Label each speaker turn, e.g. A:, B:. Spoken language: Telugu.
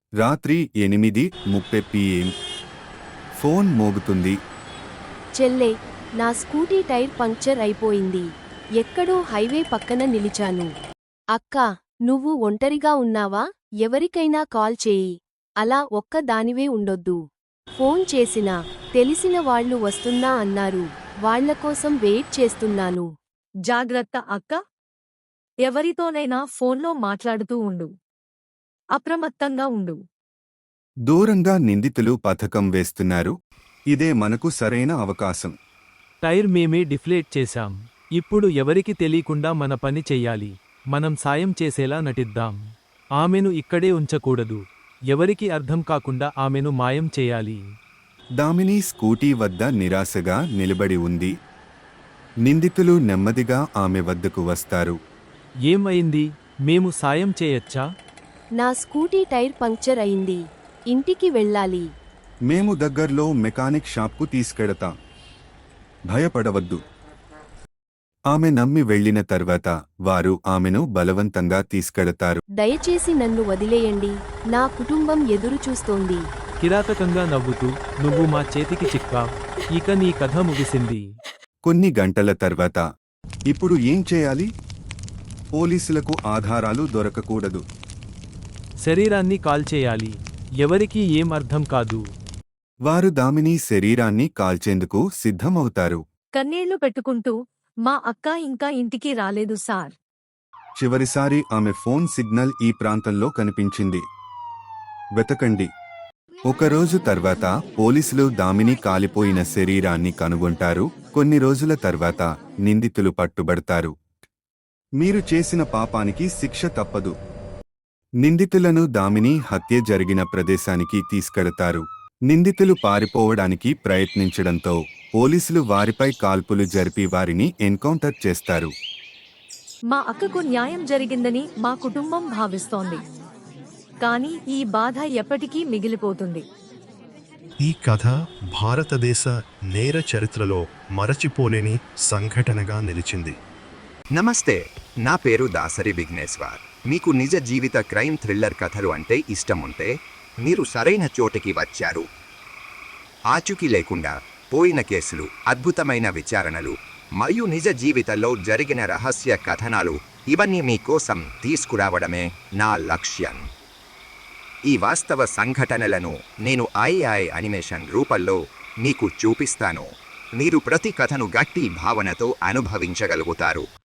A: రాత్రి 8:30 PM. ఫోన్ మోగుతుంది.
B: చెల్లే, నా స్కూటీ టైర్ పంక్చర్ అయిపోయింది. ఎక్కడో హైవే పక్కన నిలిచాను. అక్కా, నువ్వు ఒంటరిగా ఉన్నావా? ఎవరికైనా కాల్ చేయి. అలా ఒక్క దానివే ఉండొద్దు. ఫోన్ చేసినా తెలిసిన వాళ్ళు వస్తున్నా అన్నారు. వాళ్లకోసం వెయిట్ చేస్తున్నాను.
C: జాగ్రత్త అక్క. ఎవరితోనైనా ఫోన్లో మాట్లాడుతూ ఉండు. అప్రమత్తంగా ఉండు.
A: దూరంగా నిందితులు పథకం వేస్తున్నారు. ఇదే మనకు సరైన అవకాశం.
D: టైర్ మేమే డిఫ్లేట్ చేశాం. ఇప్పుడు ఎవరికి తెలీకుండా మన పని చెయ్యాలి. మనం సాయం చేసేలా నటిద్దాం. ఆమెను ఇక్కడే ఉంచకూడదు. ఎవరికి అర్థం కాకుండా ఆమెను మాయం చేయాలి.
A: దామిని స్కూటీ వద్ద నిరాశగా నిలబడి ఉంది. నిందితులు నెమ్మదిగా ఆమె వద్దకు వస్తారు.
D: ఏమైంది? మేము సాయం చేయొచ్చా?
B: నా స్కూటీ టైర్ పంక్చర్ అయింది. ఇంటికి వెళ్ళాలి.
A: మేము దగ్గర్లో మెకానిక్ షాప్కు తీసుకెడతాం. భయపడవద్దు. ఆమె నమ్మి వెళ్లిన తర్వాత వారు ఆమెను బలవంతంగా తీసుకెడతారు.
B: దయచేసి నన్ను వదిలేయండి. నా కుటుంబం ఎదురుచూస్తోంది.
D: కిరాతకంగా నవ్వుతూ, నువ్వు మా చేతికి చిక్కా. ఇక నీ కథ ముగిసింది.
A: కొన్ని గంటల తర్వాత ఇప్పుడు ఏం చేయాలి? పోలీసులకు ఆధారాలు దొరకకూడదు.
D: శరీరాన్ని కాల్చేయాలి. ఎవరికీ ఏం అర్థం కాదు.
A: వారు దామిని శరీరాన్ని కాల్చేందుకు సిద్ధమవుతారు.
C: కన్నీళ్లు పెట్టుకుంటూ, మా అక్క ఇంకా ఇంటికి రాలేదు సార్.
A: చివరిసారి ఆమె ఫోన్ సిగ్నల్ ఈ ప్రాంతంలో కనిపించింది. వెతకండి. ఒకరోజు తర్వాత పోలీసులు దామిని కాలిపోయిన శరీరాన్ని కనుగొంటారు. కొన్ని రోజుల తర్వాత నిందితులు పట్టుబడతారు. మీరు చేసిన పాపానికి శిక్ష తప్పదు. నిందితులను దామిని హత్య జరిగిన ప్రదేశానికి తీసుకెడతారు. నిందితులు పారిపోవడానికి ప్రయత్నించడంతో పోలీసులు వారిపై కాల్పులు జరిపి వారిని ఎన్కౌంటర్ చేస్తారు.
C: మా అక్కకు న్యాయం జరిగిందని మా కుటుంబం భావిస్తోంది. కానీ ఈ బాధ ఎప్పటికీ మిగిలిపోతుంది.
E: ఈ కథ భారతదేశ నేర చరిత్రలో మరచిపోలేని సంఘటనగా నిలిచింది.
F: నమస్తే, నా పేరు దాసరి విఘ్నేశ్వర్. మీకు నిజ జీవిత క్రైమ్ థ్రిల్లర్ కథలు అంటే ఇష్టం ఉంటే మీరు సరైన చోటికి వచ్చారు. ఆచూకీ లేకుండా పోయిన కేసులు, అద్భుతమైన విచారణలు మరియు నిజ జీవితంలో జరిగిన రహస్య కథనాలు ఇవన్నీ మీకోసం తీసుకురావడమే నా లక్ష్యం. ఈ వాస్తవ సంఘటనలను నేను AI యానిమేషన్ రూపంలో మీకు చూపిస్తాను. మీరు ప్రతి కథను గట్టి భావనతో అనుభవించగలుగుతారు.